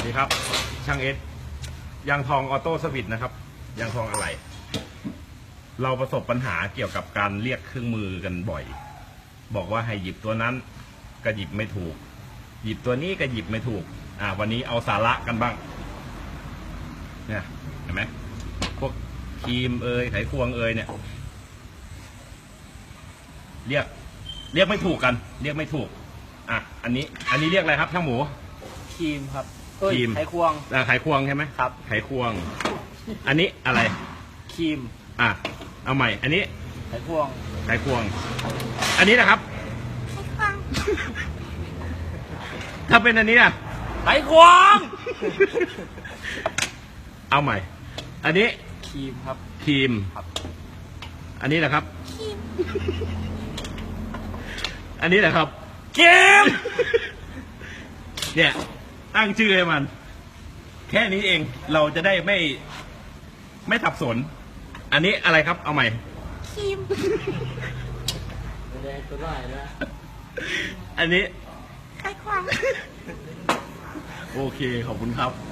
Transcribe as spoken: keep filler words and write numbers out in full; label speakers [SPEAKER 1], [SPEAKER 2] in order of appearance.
[SPEAKER 1] ดีครับช่างเอสยางทองออโต้สวิตนะครับยางทองอะไรเราประสบปัญหาเกี่ยวกับการเรียกเครื่องมือกันบ่อยบอกว่าให้หยิบตัวนั้นก็หยิบไม่ถูกหยิบตัวนี้ก็หยิบไม่ถูกอ่าวันนี้เอาสาระกันบ้างเนี่ยเห็นไหมพวกครีมเอยไขควงเอยเนี่ยเรียกเรียกไม่ถูกกัน เรียกไม่ถูกอ่ะอันนี้อันนี้เรียกอะไรครับช่างหมู
[SPEAKER 2] ครีมครับ
[SPEAKER 1] ครีม
[SPEAKER 2] ไขควง
[SPEAKER 1] อ่าไขควงใช่ไหม
[SPEAKER 2] ครับ
[SPEAKER 1] ไขควงอันนี้อะไร
[SPEAKER 2] ครีม
[SPEAKER 1] อ่ะเอาใหม่อันนี้
[SPEAKER 2] ไขควง
[SPEAKER 1] ไขควงอันนี้นะครับถ้าเป็นอันนี้นะ
[SPEAKER 2] ไขควง
[SPEAKER 1] เอาใหม่อันนี้
[SPEAKER 2] ครีมครับ
[SPEAKER 1] ครีม
[SPEAKER 2] ครับ
[SPEAKER 1] อันนี้แหละครับครีมอันนี้แหละครับ
[SPEAKER 2] ครีม
[SPEAKER 1] เนี่ยตั้งชื่อให้มันแค่นี้เองเราจะได้ไม่ไม่สับสนอันนี้อะไรครับเอาใหม่
[SPEAKER 2] ครีมแดงตัวได้นะ
[SPEAKER 1] อันนี้
[SPEAKER 2] ไขควง
[SPEAKER 1] โอเคขอบคุณครับ